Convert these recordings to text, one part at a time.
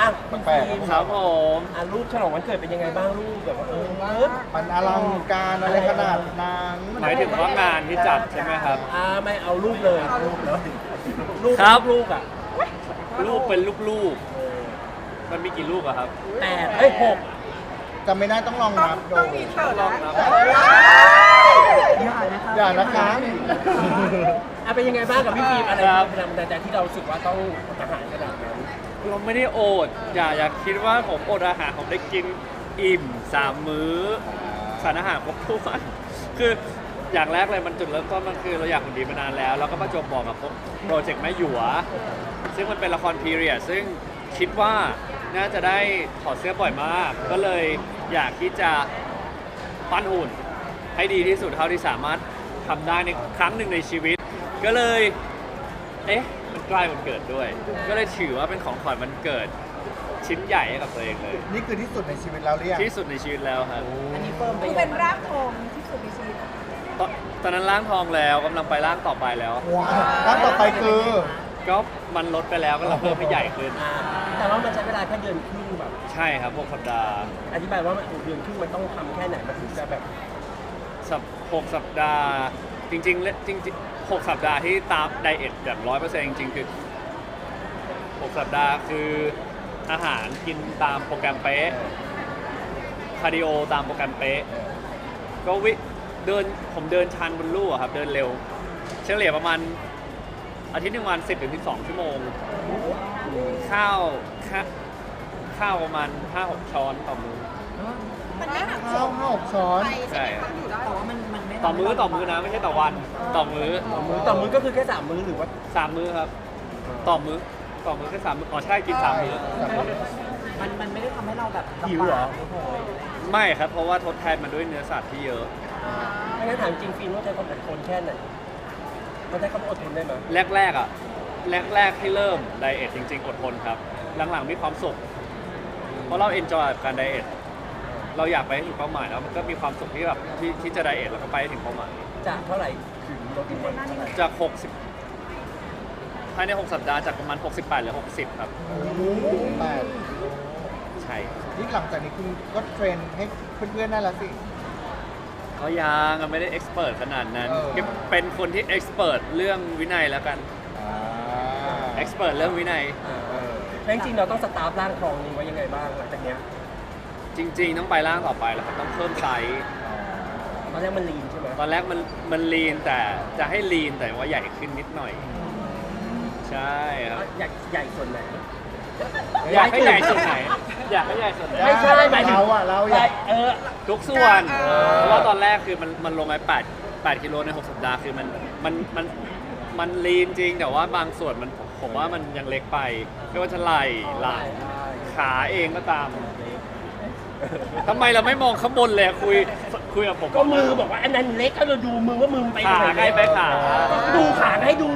อ่ะแปลกคุณฟิล์มครับผมรูปฉลองวันเกิดเป็นยังไงบ้างรูปแบบว่ามันอลังการอะไรขนาดนั้นหมายถึงว่างานที่จัดใช่ไหมครับไม่เอารูปเลยรูปแล้วรูปครับลูกอ่ะลูกเป็นลูกๆมันมีกี่ลูกอะครับ 6 จำไม่ได้ต้องลองนับดูต้องมีเถิดนะอย่านะคะเป็นยังไงบ้างกับพี่ฟิล์มอะไรครับเป็นแรงบันดาลใจที่เรารู้สึกว่าต้องอาหารขนาดนั้นเราไม่ได้โอดอย่าคิดว่าผมอดอาหารผมได้กินอิ่ม3 มื้อสารอาหารครบถ้วนคืออย่างแรกเลยมันจุดเริ่มต้นมันคือเราอยากหุ่นดีมานานแล้วแล้วก็ประจวบบอกกับโปรเจกต์แม่หยวซึ่งมันเป็นละครพีเรียดซึ่งคิดว่าน่าจะได้ถอดเสื้อบ่อยมาก ก็เลยอยากที่จะปั้นหุ่นให้ดีที่สุดเท่าที่สามารถทำได้ในครั้งหนึ่งในชีวิต ก็เลยมันใกล้วันเกิดด้วย ก็เลยถือว่าเป็นของขวัญวันเกิดชิ้นใหญ่ให้กับตัวเองเลยนี่คือที่สุดในชีวิตเราหรือยังที่สุดในชีวิตแล้วครับอันนี้เพิ่มไปคือเป็นรากทองที่สุดในชีวิตตอนนั้นร่างทองแล้วกำลังไปร่างต่อไปแล้วว้าวแล้วต่อไปคือก็มันลดไปแล้วก็เราเพิ่มให้ใหญ่ขึ้นแต่ว่ามันใช้เวลาแค่เดือนครึ่งแบบใช่ครับ6 สัปดาห์อธิบายว่ามันเดือนครึ่งมันต้องทำแค่ไหนมันถึงจะแบบ 6 สัปดาห์จริงๆ6 สัปดาห์ที่ตามไดเอทแบบ100%จริงๆคือ6 สัปดาห์คืออาหารกินตามโปรแกรมเป๊ะคาร์ดิโอตามโปรแกรมเป๊ะก็ผมเดินชันบนลู่อะครับเดินเร็วเฉลี่ยประมาณอาทิตย์หนึ่งวัน10-12 ชั่วโมงข้าวประมาณ 5-6 ช้อนต่อมื้อมันไม่หักข้าว5-6 ช้อนไปใช่ไหมคะอยู่ได้แต่ว่ามันไม่ต่อมื้อนะไม่ใช่ต่อวันต่อมื้อต่อมื้อก็คือแค่3 มื้อหรือว่า 3 มื้อครับต่อมื้อแค่3 มื้ออ๋อใช่กิน3 มื้อมันไม่ได้ทำให้เราแบบหิวเหรอไม่ครับเพราะว่าทดแทนมันด้วยเนื้อสัตว์ที่เยอะไม่งั้นถามจริงฟิล์มว่าใช้ความอดทนแค่ไหนมันใช้ความอดทนได้ไหมแรกที่เริ่มไดเอทจริงๆอดทนครับหลังๆมีความสุขเพราะเราเอนจอยกับการไดเอทเราอยากไปให้ถึงเป้าหมายแล้วมันก็มีความสุขที่แบบที่จะไดเอทแล้วก็ไปให้ถึงเป้าหมายจากเท่าไหร่ถึงลดลงมาจาก60ภายใน6 สัปดาห์จากประมาณ68เหลือ60ครับ 8 ใช่นี่หลังจากนี้คุณก็เทรนให้เพื่อนๆได้แล้วสิก็ยังไม่ได้เอ็กซ์เพรสขนาดนั้นเออก็เป็นคนที่เอ็กซ์เพรสเรื่องวินัยแล้วกันเอ็กซ์เพรสเรื่องวินัยแล้วจริงๆเราต้องสตาร์ฟร่างทองนี้ไว้ยังไงบ้างหลังจากเนี้ยจริงๆต้องไปร่างต่อไปแล้วครับต้องเพิ่มไซส์ตอนแรกมันลีนใช่ไหมตอนแรกมันลีนแต่จะให้ลีนแต่ว่าใหญ่ขึ้นนิดหน่อย ใช่ครับใหญ่ส่วนไหนอยากให้ใหญ่ส่วนไหนอยากให้ใหญ่ส่วนไหนไม่ใช่หมายถึงเราอยากทุกส่วนเพราะว่าตอนแรกคือมันลงไป8 กิโลใน 6 สัปดาห์คือมันลีนจริงแต่ว่าบางส่วนผมว่ามันยังเล็กไปไม่ว่าจะไหล่หลังขาเองก็ตามทำไมเราไม่มองข้างบนเลยคุยกับผมก็มือบอกว่าอันนั้นเล็กก็เราดูมือว่ามือไปขาไหนใกล้ไปขาดูขาให้ดู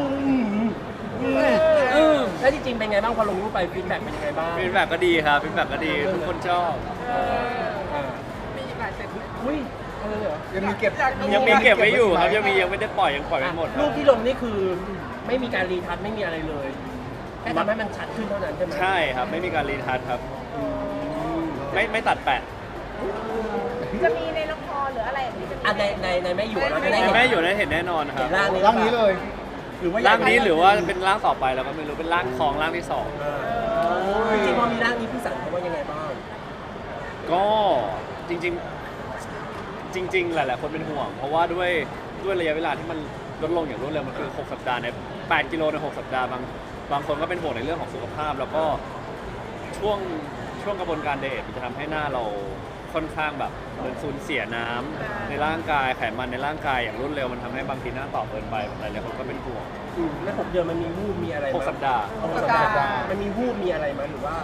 แล้วจริงๆเป็นไงบ้างพอลงรูปไปฟีดแบ็กเป็นยังไงบ้างฟีดแบ็กก็ดีครับฟีดแบ็กก็ดีทุกคนชอบมีอีกหลายเซตอุ้ยอะไรเหรอยังมีเก็บยังมีเก็บไว้อยู่ครับยังไม่ได้ปล่อยยังปล่อยไม่หมดรูปที่ลงนี่คือไม่มีการรีทัชไม่มีอะไรเลยแค่ทำให้มันชัดขึ้นเท่านั้นใช่ไหมใช่ครับไม่มีการรีทัชครับไม่ตัดแปะจะมีในละครหรืออะไรอย่างนี้จะมีอ่ะในแม่อยู่เราจะได้แม่อยู่ได้เห็นแน่นอนครัเห็บนร่างนี้ร่างนี้เลยหรือว่าร่างนี้หรือว่าเป็นร่างต่อไปเราก็ไม่รู้เป็นร่างทองร่างที่2 จริงๆพอมีร่างนี้พี่สันเขาว่ายังไงบ้างก็จริงๆหลายๆคนเป็นห่วง เพราะว่าด้วยระยะเวลาที่มันลดลงอย่างรวดเร็วมันคือ6 สัปดาห์ใน8 กิโลใน 6 สัปดาห์บางคนก็เป็นห่วงในเรื่องของสุขภาพ แล้วก็ช่วงกระบวนการไดเอทมันจะทำให้หน้าเราค่อนข้างแบบเหมือนสูญเสียน้ำในร่างกายไขมันในร่างกายอย่างรวดเร็วมันทำให้บางทีหน้าตอบเกินไปหลายๆคนก็เป็นห่วงแล้ว6 เดือนมันมีวูบมีอะไรไหม 6 สัปดาห์ 6 สัปดาห์มันมีวูบมีอะไรไหมหรือว่า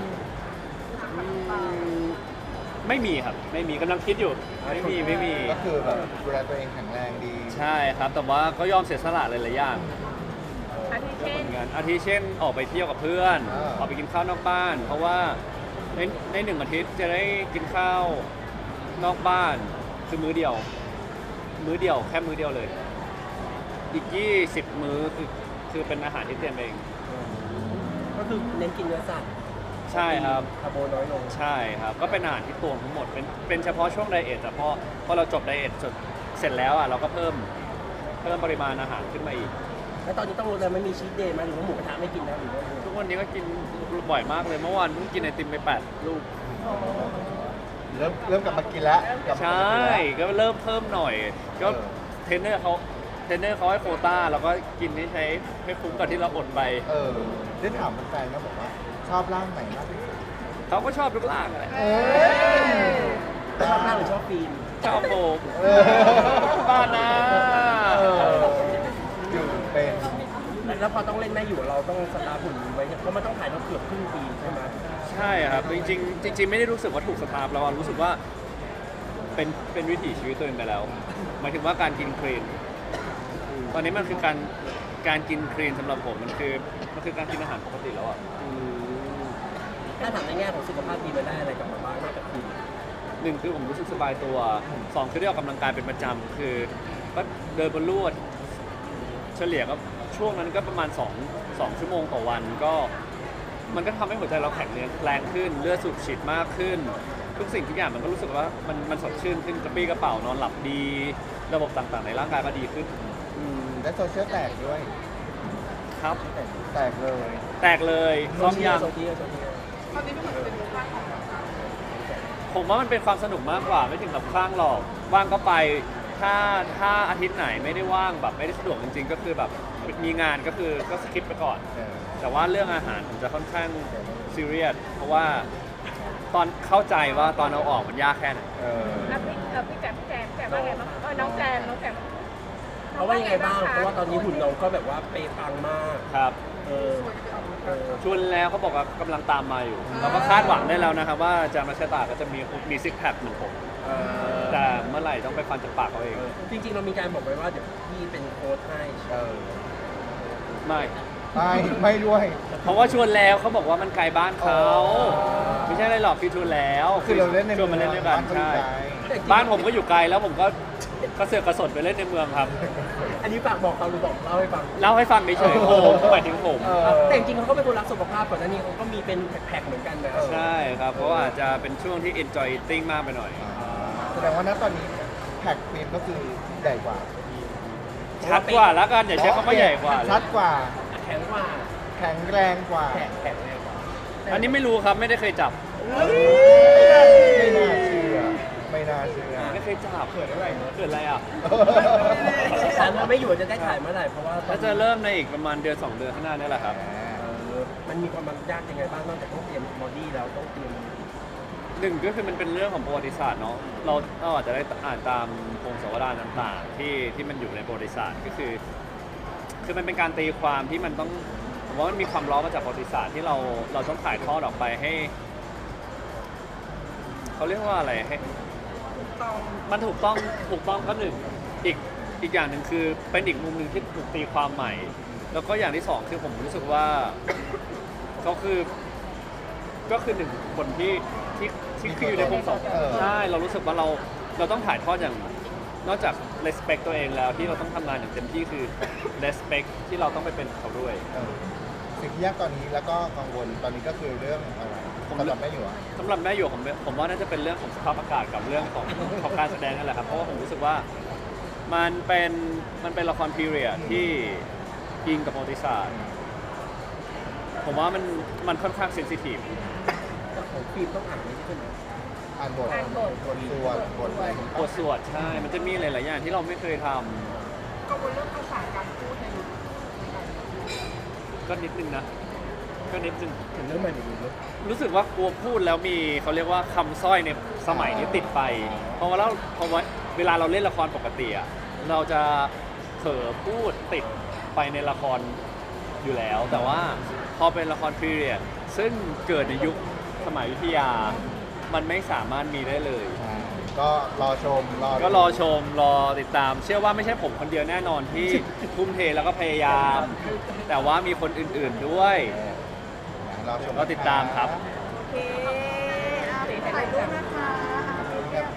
ไม่มีครับไม่มีกำลังคิดอยู่ไม่มีก็คือแบบดูแลตัวเองแข็งแรงดีใช่ครับแต่ว่าก็ยอมเสียสละหลายๆอย่างอาทิเช่นเหมือนกันอาทิเช่นออกไปเที่ยวกับเพื่อน ออกไปกินข้าวนอกบ้าน เพราะว่าใน1 อาทิตย์จะได้กินข้าวนอกบ้านคือมื้อเดียวแค่มื้อเดียวเลย อีก20 มื้อคือเป็นอาหารที่เตรียมเองก็คือเน้นกินเนื้อสัตว์ใช่ครับคาร์โบน้อยลงใช่ครับ ก็เป็นอาหารที่ตวงทั้งหมดเป็นเฉพาะช่วงไดเอทแต่พอเราจบไดเอทเสร็จแล้วอ่ะเราก็เพิ่มปริมาณอาหารขึ้นมาอีกแล้วตอนนี้ต้องรู้เลยไม่มีชีทเดย์ไหมหรือว่าหมูกระทะไม่กินแล้วหรือว่าทุกวันนี้ก็กินบ่อยมากเลยเมื่อวานเพิ่งกินไอติมไป8 ลูกเริ่มกลับมากินแล้วกลับมาใช่กินแล้วก็เริ่มเพิ่มหน่อย ก็เออเทรนเนอร์เขาให้โควต้าแล้วก็กินให้คุ้มกับที่เราอดไปได้ถามแฟนๆแล้วบอกว่าชอบร่างไหนมากที่สุดเขาก็ชอบทุกร่างแหละชอบหน้าหรือชอบฟิล์มชอบโบกเออบ้านนะอยู่เป็นแล้วพอต้องเล่นแม่อยู่เราต้องสตาร์ทหุ่นไว้เพราะมันต้องถ่ายเราเกือบครึ่งปีใช่ไหมใช่ครับ จริงๆไม่ได้รู้สึกว่าถูกสตาร์ฟแล้วรู้สึกว่าเป็นวิถีชีวิตตัวเองไปแล้ว หมายถึงว่าการกินคลีนตอนนี้มันคือการกินคลีนสำหรับผมมันคือการกินอาหารปกติแล้วอ่ะถ้าถามในแง่ของสุขภาพดีมันได้อะไรกลับมาบ้างนอกจากฟิล์มหนึ่งคือผมรู้สึกสบายตัว2คือได้ออกกำลังกายเป็นประจำคือก็เดินบนลู่เฉลี่ยก็ช่วงนั้นก็ประมาณ2 ชั่วโมงต่อวันก็มันก็ทำให้หัวใจเราแข็งแรงขึ้นเลือดสูบฉีดมากขึ้น ทุกสิ่งทุกอย่างมันก็รู้สึกว่ามันสดชื่นขึ้นกระปรี้กระเป๋านอนหลับดี ระบบต่างๆในร่างกายก็ดีขึ้นและโซเชียลแตกด้วยครับแตกเลยแตกเลยพร้อมยังโซเชียลผมว่ามันเป็นความสนุกมากกว่าไม่ถึงกับคลั่งหรอกว่างก็ไปถ้าอาทิตย์ไหนไม่ได้ว่างแบบไม่ได้สะดวกจริงๆ ก็คือแบบมีงานก็สคิปไปก่อน แต่ว่าเรื่องอาหารผมจะค่อนข้างซีเรียสเพราะว่าตอนเข้าใจว่าตอนเอาออกมันยากแค่ไหนแล้วพี่แจมว่าไงบ้างน้องแจมเพราะว่ายังไงบ้างเพราะว่าตอนนี้หุ่นน้องก็แบบว่าเปย์ปังมากครับเออชวนแล้วเขาบอกว่ากำลังตามมาอยู่ เราก็คาดหวังได้แล้วนะครับว่าจามาชะตาก็จะมีซิกแพคเหมือนผมแต่เมื่อไหร่ต้องไปฟันจากปากเขาเองจริงๆเรามีการบอกไว้ว่าเดี๋ยวพี่เป็นโค้ชให้ไม่ไม่ด้วยเพราะว่าชวนแล้วเขาบอกว่ามันไกลบ้านเขาไม่ใช่อะไรหรอกคือชวนแล้วคือเราเล่นในชวนมาเล่นด้วยกันบ้าใช่เขาอยู่ไกลบ้านผมก็อยู่ไกลแล้วผมก็กระเสือกกระสนไปเล่นในเมืองครับอันนี้ฝากบอกเขาหรือบอกเล่าให้ฟังเล่าให้ฟังเฉยๆผมหมายถึงผมแต่จริงๆเขาก็เป็นคนรักสุขภาพก่อนหน้านี้เขาก็มีเป็นแพ็คๆเหมือนกันนะใช่ครับ เพราะว่าอาจจะเป็นช่วงที่ enjoy eating มากไปหน่อยแสดงว่าณตอนนี้แพ็คฟิล์มก็คือใหญ่กว่าชัดกว่าแล้วกันอย่าใช้คำว่าใหญ่กว่าเลยชัดกว่าแข็งกว่าแข็งแรงกว่าแข็งแรงกว่าอันนี้ไม่รู้ครับไม่ได้เคยจับไม่น่าเชื่อ ไม่น่าเชื่อไม่เคยจับเกิดอะไรเกิดอะไรอ่ะถามว่าไม่อยู่จะได้ถ่ายเมื่อไหร่เพราะว่าก็จะเริ่มในอีกประมาณเดือน2 เดือนข้างหน้านี่แหละครับมันมีความยากยังไงบ้างนอกจากต้องเตรียมบอดี้แล้วต้องเตรียมหนึ่งก็คือมันเป็นเรื่องของประวัติศาสตร์เนาะเราอาจจะได้อ่านตามพงศาวดารต่างๆที่มันอยู่ในประวัติศาสตร์ก็คือมันเป็นการตีความที่มันต้องผมว่ามันมีความล้อมาจากประวัติศาสตร์ที่เราต้องถ่ายทอดออกไปให้เขาเรียกว่าอะไรให้มันถูกต้องก็หนึ่งอีกอย่างหนึ่งคือเป็นอีกมุมหนึ่งที่ถูกตีความใหม่ แล้วก็อย่างที่สองคือผมรู้สึกว่าเขาก็คือหนึ่งคนที่คืออยู่ในพงศาวดารใช่เรารู้สึกว่าเราต้องถ่ายทอดอย่างนอกจาก respect ตัวเองแล้วที่เราต้องทำงานอย่างเต็มที่คือ respect ที่เราต้องไปเป็นเขาด้วยสิ่งที่ยากตอนนี้แล้วก็กังวลตอนนี้ก็คือเรื่องอะไรสำหรับแม่อยู่อะสำหรับแม่อยู่ผมว่าน่าจะเป็นเรื่องของสภาพอากาศกับเรื่องของการแสดงนั่นแหละครับเพราะว่าผมรู้สึกว่ามันเป็นละครพีเรียดที่อิงกับประวัติศาสตร์ผมว่ามันค่อนข้างเซนซิทีฟของฟิล์มต้องอ่านนี้ใช่ไหมอ่านบทสวดบทอะไรบทสวดใช่มันจะมีหลายๆอย่างที่เราไม่เคยทกังวลเรื่องภาษาการพูดในยุคำก็นิดนึงนะก็นิดนึงถึงเรื่องใหม่หรือเรื่องรู้สึกว่ากลัวพูดแล้วมีเขาเรียกว่าคำสร้อยในสมัยนี้ติดไปเพราะว่าเวลาเราเล่นละครปกติอะเราจะเผลอพูดติดไปในละครอยู่แล้ว แต่ว่าพอเป็นละครพีเรียดซึ่งเกิดในยุคสมัยอยุธยามันไม่สามารถมีได้เลยก็รอชมก็รอชมรอติดตาม เชื่อว่าไม่ใช่ผมคนเดียวแน่นอนที่ ทุ่มเทแล้วก็พยายาม แต่ว่ามีคนอื่นๆด้วยรอชมก็ติดตามครับโอเคถ่ายรูปนะคะ